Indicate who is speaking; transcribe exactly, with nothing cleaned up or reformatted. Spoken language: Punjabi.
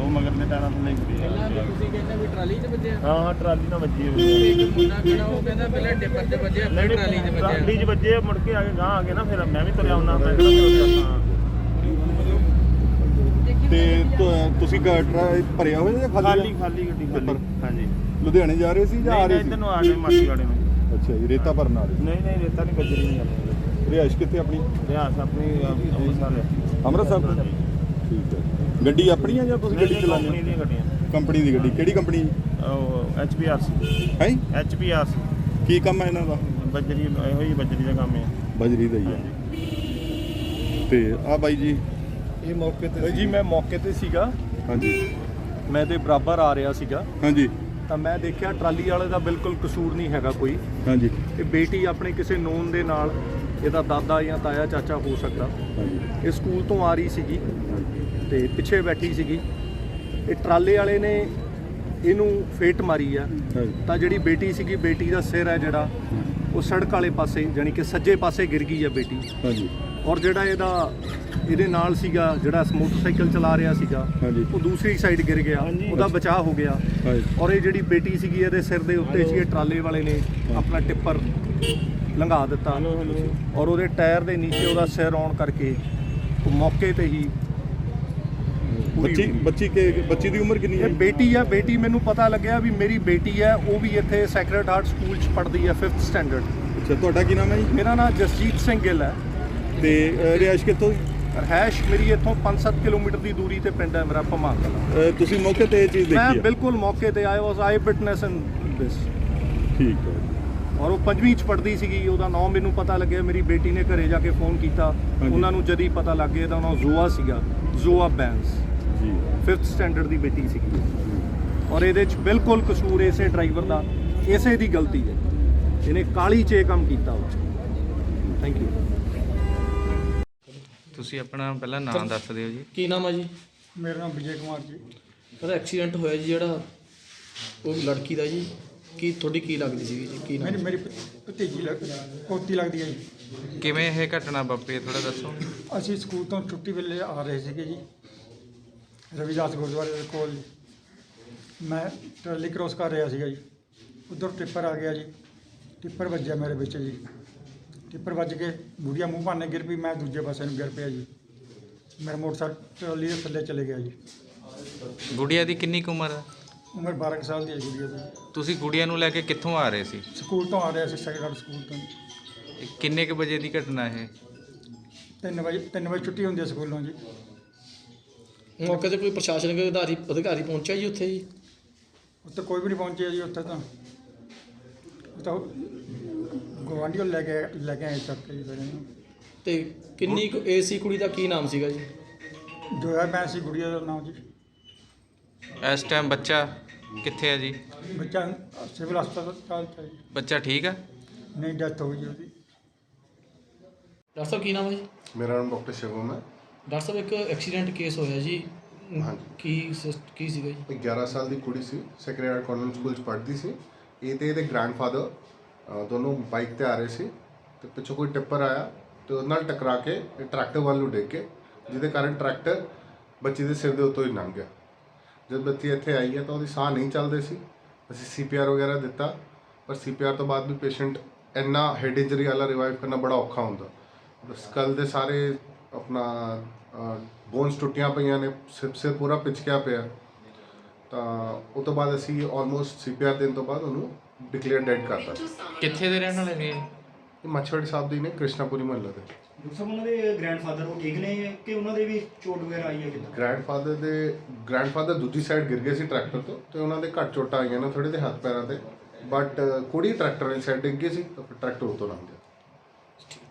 Speaker 1: ਉਹ ਮਗਰਲੇ ਟਾਇਰਾਂ ਥੱਲੇ ਹੀ
Speaker 2: ਪਹਿਲਾਂ ਵੀ ਤੁਸੀਂ ਕਹਿੰਦੇ ਵੀ ਟਰਾਲੀ 'ਚ ਵੱਜਿਆ।
Speaker 1: ਹਾਂ ਹਾਂ ਟਰਾਲੀ ਨਾਲ ਵੱਜੀ ਹੋਈ
Speaker 2: ਇੱਕ ਮੁੰਡਾ ਖੜਾ ਉਹ ਕਹਿੰਦਾ ਪਹਿਲਾਂ ਡਿੱਪਰ 'ਚ ਵੱਜਿਆ ਫਿਰ ਟਰਾਲੀ 'ਚ ਵੱਜਿਆ।
Speaker 1: ਟਰਾਲੀ 'ਚ ਵੱਜੇ ਮੁੜ ਕੇ ਆ ਕੇ ਗਾਂ ਆ ਗਏ ਨਾ ਫਿਰ ਮੈਂ ਵੀ ਤੁਰਿਆ ਹੁੰਦਾ ਮੈਂ ਕਿਹੜਾ ਹਾਂ
Speaker 3: ਤੇ ਤੁ- ਤੁਸੀਂ ਗਾਟਰਾ ਭਰਿਆ ਹੋਇਆ ਜਾਂ ਖਾਲੀ
Speaker 1: ਖਾਲੀ ਖਾਲੀ ਗੱਡੀ ਖਾਲੀ ਹਾਂਜੀ
Speaker 3: ਲੁਧਿਆਣੇ ਜਾ ਰਹੇ ਸੀ ਜਾਂ ਆ ਰਹੇ ਸੀ?
Speaker 1: ਇੱਧਰ ਨੂੰ ਆ ਗਏ ਮਾਸੀ ਵਾਲੇ ਨੂੰ।
Speaker 3: ਅੱਛਾ ਜੀ, ਰੇਤਾ ਭਰਨ ਆ ਰਹੇ
Speaker 1: ਨਹੀਂ ਨਹੀਂ ਰੇਤਾ ਨਹੀਂ ਗੱਜਰੀ ਨਹੀਂ ਆਪਣੀ
Speaker 3: ਰਿਹਾਇਸ਼ ਕਿੱਥੇ ਆਪਣੀ?
Speaker 1: ਰਿਆਸ ਆਪਣੀ ਅੰਮ੍ਰਿਤਸਰ ਹੈ।
Speaker 3: ਅੰਮ੍ਰਿਤਸਰ ਤੋਂ? ਠੀਕ ਹੈ। ਗੱਡੀ ਆਪਣੀ ਆ ਜਾਂ ਤੁਸੀਂ ਗੱਡੀ ਚਲਾਉਂਦੇ
Speaker 1: ਕੰਪਨੀ ਦੀਆਂ ਗੱਡੀਆਂ
Speaker 3: ਕੰਪਨੀ ਦੀ ਗੱਡੀ? ਕਿਹੜੀ ਕੰਪਨੀ?
Speaker 1: ਉਹ ਐਚ ਪੀ ਆਰ ਸੀ
Speaker 3: ਹੈ
Speaker 1: ਐਚ ਪੀ ਆਰ ਸੀ।
Speaker 3: ਕੀ ਕੰਮ ਹੈ ਇਹਨਾਂ ਦਾ?
Speaker 1: ਬੱਜਰੀ ਇਹੋ ਹੀ ਬੱਜਰੀ ਦਾ ਕੰਮ ਹੈ।
Speaker 3: ਬਜਰੀ ਦਾ ਹੀ ਹੈ। ਤੇ ਆ ਬਾਈ ਜੀ
Speaker 4: ਇਹ ਮੌਕੇ ਤੇ ਜੀ ਮੈਂ ਮੌਕੇ ਤੇ ਸੀਗਾ।
Speaker 3: ਹਾਂਜੀ
Speaker 4: ਮੈਂ ਤੇ ਬਰਾਬਰ ਆ ਰਿਹਾ ਸੀਗਾ
Speaker 3: ਹਾਂਜੀ
Speaker 4: ਤਾਂ ਮੈਂ ਦੇਖਿਆ ਟਰਾਲੀ ਵਾਲੇ ਦਾ ਬਿਲਕੁਲ ਕਸੂਰ ਨਹੀਂ ਹੈਗਾ ਕੋਈ।
Speaker 3: ਹਾਂਜੀ
Speaker 4: ਇਹ ਬੇਟੀ ਆਪਣੇ ਕਿਸੇ ਨੋਨ ਦੇ ਨਾਲ, ਇਹਦਾ ਦਾਦਾ ਜਾਂ ਤਾਇਆ ਚਾਚਾ ਹੋ ਸਕਦਾ,
Speaker 3: ਹਾਂਜੀ
Speaker 4: ਇਹ ਸਕੂਲ ਤੋਂ ਆ ਰਹੀ ਸੀਗੀ ਤੇ ਪਿੱਛੇ ਬੈਠੀ ਸੀਗੀ। ਇਹ ਟਰਾਲੇ ਵਾਲੇ ਨੇ ਇਹਨੂੰ ਫੇਟ ਮਾਰੀ ਆ
Speaker 3: ਹਾਂਜੀ
Speaker 4: ਤਾਂ ਜਿਹੜੀ ਬੇਟੀ ਸੀਗੀ, ਬੇਟੀ ਦਾ ਸਿਰ ਹੈ ਜਿਹੜਾ ਉਹ ਸੜਕ ਵਾਲੇ ਪਾਸੇ ਜਾਣੀ ਕਿ ਸੱਜੇ ਪਾਸੇ ਗਿਰ ਗਈ ਆ ਬੇਟੀ।
Speaker 3: ਹਾਂਜੀ
Speaker 4: ਔਰ ਜਿਹੜਾ ਇਹਦਾ ਇਹਦੇ ਨਾਲ ਸੀਗਾ ਜਿਹੜਾ ਮੋਟਰਸਾਈਕਲ ਚਲਾ ਰਿਹਾ ਸੀਗਾ
Speaker 3: ਹਾਂਜੀ
Speaker 4: ਉਹ ਦੂਸਰੀ ਸਾਈਡ ਗਿਰ ਗਿਆ, ਉਹਦਾ ਬਚਾਅ ਹੋ ਗਿਆ।
Speaker 3: ਹਾਂਜੀ
Speaker 4: ਔਰ ਇਹ ਜਿਹੜੀ ਬੇਟੀ ਸੀਗੀ ਇਹਦੇ ਸਿਰ ਦੇ ਉੱਤੇ ਸੀ, ਇਹ ਟਰਾਲੇ ਵਾਲੇ ਨੇ ਆਪਣਾ ਟਿੱਪਰ ਲੰਘਾ ਦਿੱਤਾ ਔਰ ਉਹਦੇ ਟਾਇਰ ਦੇ ਨੀਚੇ ਉਹਦਾ ਸਿਰ ਆਉਣ ਕਰਕੇ ਉਹ ਮੌਕੇ ਤੇ ਹੀ ਪੂਰੀ
Speaker 3: ਬੱਚੀ
Speaker 4: ਹੋ ਗਈ।
Speaker 3: ਬੱਚੀ ਕੇ ਬੱਚੀ ਦੀ ਉਮਰ ਕਿੰਨੀ ਹੈ?
Speaker 4: ਇਹ ਬੇਟੀ ਆ, ਬੇਟੀ ਮੈਨੂੰ ਪਤਾ ਲੱਗਿਆ ਵੀ ਮੇਰੀ ਬੇਟੀ ਹੈ, ਉਹ ਵੀ ਇੱਥੇ ਸੈਕਰਡ ਹਾਰਟ ਸਕੂਲ 'ਚ ਪੜ੍ਹਦੀ ਹੈ ਫਿਫਥ ਸਟੈਂਡਰਡ।
Speaker 3: ਅੱਛਾ, ਤੁਹਾਡਾ ਕੀ ਨਾਮ ਹੈ ਜੀ?
Speaker 4: ਮੇਰਾ ਨਾਮ ਜਸਜੀਤ ਸਿੰਘ ਗਿੱਲ ਹੈ
Speaker 3: ਤੇ ਅ, ਰਿਹਾਇਸ਼ ਕਿੱਥੋਂ ਦੀ?
Speaker 4: ਰਹਿਸ਼ ਮੇਰੀ ਇੱਥੋਂ ਪੰਜ ਸੱਤ ਕਿਲੋਮੀਟਰ ਦੀ ਦੂਰੀ ਤੇ ਪਿੰਡ ਹੈ ਮੇਰਾ ਭਮਾਂ ਕਲਾਂ।
Speaker 3: ਅ, ਤੁਸੀਂ ਮੌਕੇ ਤੇ ਇਹ ਚੀਜ਼
Speaker 4: ਮੈਂ
Speaker 3: ਦੇਖੀ ਹੈ?
Speaker 4: ਬਿਲਕੁਲ ਮੌਕੇ ਤੇ ਆਇਆ ਵਾਸ ਆਈ ਵਿਟਨੈਸ ਇਨ ਦਿਸ।
Speaker 3: ਠੀਕ ਹੈ।
Speaker 4: ਔਰ ਉਹ ਪੰਜਵੀਂ ਚ ਪੜ੍ਹਦੀ ਸੀਗੀ, ਉਹਦਾ ਨਾਮ ਮੈਨੂੰ ਪਤਾ ਲੱਗਿਆ, ਮੇਰੀ ਬੇਟੀ ਨੇ ਘਰੇ ਜਾ ਕੇ ਫੋਨ ਕੀਤਾ, ਉਹਨਾਂ ਨੂੰ ਜਦ ਹੀ ਪਤਾ ਲੱਗ ਗਿਆ ਇਹਦਾ ਨਾਮ ਜ਼ੋਆ ਸੀਗਾ, ਜ਼ੋਆ ਬੈਂਸ,
Speaker 3: ਜੀ
Speaker 4: ਫਿਫਥ ਸਟੈਂਡਰਡ ਦੀ ਬੇਟੀ ਸੀਗੀ। ਔਰ ਇਹਦੇ ਚ ਬਿਲਕੁਲ ਕਸੂਰ ਇਸੇ ਡਰਾਈਵਰ ਦਾ, ਇਸੇ ਦੀ ਗਲਤੀ ਹੈ, ਇਹਨੇ ਕਾਲੀ 'ਚ ਇਹ ਕੰਮ ਕੀਤਾ ਵਾ। Thank you.
Speaker 5: ਤੁਸੀਂ ਆਪਣਾ ਪਹਿਲਾਂ ਨਾਮ ਦੱਸ ਦਿਓ ਜੀ।
Speaker 6: ਕੀ ਨਾਮ ਹੈ ਜੀ?
Speaker 7: ਮੇਰਾ ਨਾਮ ਵਿਜੇ ਕੁਮਾਰ ਜੀ।
Speaker 6: ਉਹਦਾ ਐਕਸੀਡੈਂਟ ਹੋਇਆ ਜੀ ਜਿਹੜਾ ਉਹ ਲੜਕੀ ਦਾ ਜੀ, ਕੀ ਤੁਹਾਡੀ ਕੀ ਲੱਗਦੀ ਸੀ ਜੀ? ਕੀ ਨਾਮ?
Speaker 7: ਮੇਰੀ ਮੇਰੀ ਭ- ਭਤੀਜੀ ਲੱਗ ਪੋਤੀ ਲੱਗਦੀ ਹੈ ਜੀ।
Speaker 5: ਕਿਵੇਂ ਇਹ ਘਟਨਾ ਵਾਪਰੀ ਥੋੜਾ ਦੱਸੋ।
Speaker 7: ਅਸੀਂ ਸਕੂਲ ਤੋਂ ਛੁੱਟੀ ਵੇਲੇ ਆ ਰਹੇ ਸੀਗੇ ਜੀ, ਰਵਿਦਾਸ ਗੁਰਦੁਆਰੇ ਦੇ ਕੋਲ ਜੀ। ਮੈਂ ਟਰਾਲੀ ਕ੍ਰੋਸ ਕਰ ਰਿਹਾ ਸੀਗਾ ਜੀ, ਉੱਧਰ ਟਿੱਪਰ ਆ ਗਿਆ ਜੀ, ਟਿੱਪਰ ਵੱਜਿਆ ਮੇਰੇ ਵਿੱਚ ਜੀ। ਟਿੱਪਰ ਵੱਜ ਕੇ ਗੁੜੀਆ ਮੂੰਹ ਭਾਨੇ ਗਿਰ ਪਈ, ਮੈਂ ਦੂਜੇ ਪਾਸੇ ਨੂੰ ਗਿਰ ਪਿਆ ਜੀ। ਮੇਰਾ ਮੋਟਰਸਾਈਕਲ ਟਰਾਲੀ ਦੇ ਥੱਲੇ ਚਲੇ ਗਿਆ ਜੀ।
Speaker 5: ਗੁੜੀਆ ਦੀ ਕਿੰਨੀ ਕੁ ਉਮਰ ਹੈ?
Speaker 7: ਉਮਰ ਬਾਰਾਂ ਕੁ ਸਾਲ ਦੀ ਹੈ ਗੁੜੀਆ ਦੀ।
Speaker 5: ਤੁਸੀਂ ਗੁੜੀਆ ਨੂੰ ਲੈ ਕੇ ਕਿੱਥੋਂ ਆ ਰਹੇ ਸੀ?
Speaker 7: ਸਕੂਲ ਤੋਂ ਆ ਰਿਹਾ ਸੀ, ਸੈਕੰਡ ਸਕੂਲ ਤੋਂ।
Speaker 5: ਇਹ ਕਿੰਨੇ ਕੁ ਵਜੇ ਦੀ ਘਟਨਾ ਇਹ?
Speaker 7: ਤਿੰਨ ਵਜੇ ਤਿੰਨ ਵਜੇ ਛੁੱਟੀ ਹੁੰਦੀ ਹੈ ਸਕੂਲੋਂ ਜੀ।
Speaker 6: ਮੌਕੇ ਤੇ ਕੋਈ ਪ੍ਰਸ਼ਾਸਨਿਕ ਅਧਿਕਾਰੀ ਅਧਿਕਾਰੀ ਪਹੁੰਚਿਆ ਜੀ ਉੱਥੇ ਜੀ?
Speaker 7: ਉੱਥੇ ਕੋਈ ਵੀ ਨਹੀਂ ਪਹੁੰਚਿਆ ਜੀ। ਉੱਥੇ ਤਾਂ ਉਹ ਤਾਂ ਗੁਆਂਢੀ ਲੈ ਕੇ ਲੈ ਕੇ ਆਏ ਚੱਕ ਕੇ ਜੀ ਫਿਰ ਇਹਨੂੰ।
Speaker 6: ਤੇ ਕਿੰਨੀ ਕੁ ਏਜ ਸੀ ਕੁੜੀ ਦਾ? ਕੀ ਨਾਮ ਸੀਗਾ ਜੀ?
Speaker 7: ਜੋਇਆ ਭੈਣ ਸੀ ਗੁੜੀਆ ਦਾ ਨਾਮ ਜੀ।
Speaker 5: ਇਸ ਟਾਈਮ ਬੱਚਾ ਕਿੱਥੇ ਹੈ ਜੀ?
Speaker 7: ਬੱਚਾ ਸਿਵਲ ਹਸਪਤਾਲ ਚ ਹੈ ਜੀ।
Speaker 5: ਬੱਚਾ ਠੀਕ ਹੈ?
Speaker 7: ਨਹੀਂ, ਡੈਥ ਹੋ ਗਈ ਜੀ ਉਹਦੀ।
Speaker 6: ਡਾਕਟਰ ਸਾਹਿਬ ਕੀ ਨਾਮ ਹੈ ਜੀ?
Speaker 8: ਮੇਰਾ ਨਾਮ ਡਾਕਟਰ ਸ਼ਿਵਮ ਹੈ।
Speaker 6: ਡਾਕਟਰ ਸਾਹਿਬ ਇੱਕ ਐਕਸੀਡੈਂਟ ਕੇਸ ਹੋਇਆ ਜੀ,
Speaker 8: ਹਾਂਜੀ।
Speaker 6: ਕੀ ਸਿਸ- ਕੀ ਸੀਗਾ ਜੀ?
Speaker 8: ਇੱਕ ਗਿਆਰਾਂ ਸਾਲ ਦੀ ਕੁੜੀ ਸੀ, ਸੈਕਰਡ ਹਾਰਟ ਕਨਵੈਂਟ ਸਕੂਲ 'ਚ ਪੜ੍ਹਦੀ ਸੀ। ਇਹ ਤੇ ਇਹਦੇ ਗ੍ਰੈਂਡਫਾਦਰ ਦੋਨੋਂ ਬਾਈਕ ਤੇ ਆ ਰਹੇ ਸੀ ਤੇ ਪਿੱਛੋਂ ਕੋਈ ਟਿੱਪਰ ਆਇਆ ਤੇ ਉਹਦੇ ਨਾਲ ਟਕਰਾ ਕੇ ਇਹ ਟਰੈਕਟਰ ਵੱਲ ਨੂੰ ਡਿੱਗ ਕੇ, ਜਿਹਦੇ ਕਾਰਨ ਟਰੈਕਟਰ ਬੱਚੀ ਦੇ ਸਿਰ ਦੇ ਉੱਤੋਂ ਹੀ ਲੰਘ ਗਿਆ। ਜਦ ਬੱਚੀ ਇੱਥੇ ਆਈ ਹੈ ਤਾਂ ਉਹਦੀ ਸਾਹ ਨਹੀਂ ਚੱਲਦੇ ਸੀ। ਅਸੀਂ ਸੀ ਪੀ ਆਰ ਵਗੈਰਾ ਦਿੱਤਾ, ਪਰ ਸੀ ਪੀ ਆਰ ਤੋਂ ਬਾਅਦ ਵੀ ਪੇਸ਼ੈਂਟ ਇੰਨਾ ਹੈਡ ਇੰਜਰੀ ਵਾਲਾ ਰਿਵਾਈਵ ਕਰਨਾ ਬੜਾ ਔਖਾ ਹੁੰਦਾ। ਸਕਲ ਦੇ ਸਾਰੇ ਆਪਣਾ ਬੋਨਸ ਟੁੱਟੀਆਂ ਪਈਆਂ ਨੇ, ਸਿਰ ਸਿਰ ਪੂਰਾ ਪਿਚਕਿਆ ਪਿਆ। ਤਾਂ ਉਹ ਤੋਂ ਬਾਅਦ ਅਸੀਂ ਆਲਮੋਸਟ ਸੀ ਪੀ ਆਰ ਦੇਣ ਤੋਂ ਬਾਅਦ ਉਹਨੂੰ ਡਿਕਲੇਅਰ ਡੈਡ ਕਰਤਾ।
Speaker 5: ਕਿੱਥੇ ਦੇ ਰਹਿਣ ਵਾਲੇ ਨੇ?
Speaker 8: ਇਹ ਮੱਛਵਾੜੀ ਸਾਹਿਬ ਦੀ ਨੇ, ਕ੍ਰਿਸ਼ਨਾਪੁਰੀ ਮਹੱਲੇ ਦੇ।
Speaker 9: ਡਾਕਟਰ ਸਾਹਿਬ ਉਹਨਾਂ ਦੇ ਗ੍ਰੈਂਡਫਾਦਰ ਉਹ ਠੀਕ ਨੇ ਕਿ ਉਹਨਾਂ ਦੇ ਵੀ ਚੋਟ ਵਗੈਰਾ ਆਈ ਹੈ ਕਿੱਦਾਂ?
Speaker 8: ਗ੍ਰੈਂਡਫਾਦਰ ਦੇ ਗ੍ਰੈਂਡਫਾਦਰ ਦੂਜੀ ਸਾਈਡ ਗਿਰ ਗਏ ਸੀ ਟਰੈਕਟਰ ਤੋਂ ਤੇ ਉਹਨਾਂ ਦੇ ਘੱਟ ਚੋਟਾਂ ਆਈਆਂ ਨੇ ਥੋੜੇ ਦੇ ਹੱਥ ਪੈਰਾਂ ਤੇ, ਬਟ ਕੁੜੀ ਟਰੈਕਟਰ ਵਾਲੀ ਸਾਈਡ ਡਿੱਗ ਗਈ ਸੀ ਤਾਂ ਫਿਰ ਟਰੈਕਟਰ ਉੱਤੋਂ ਲੰਘ ਗਿਆ।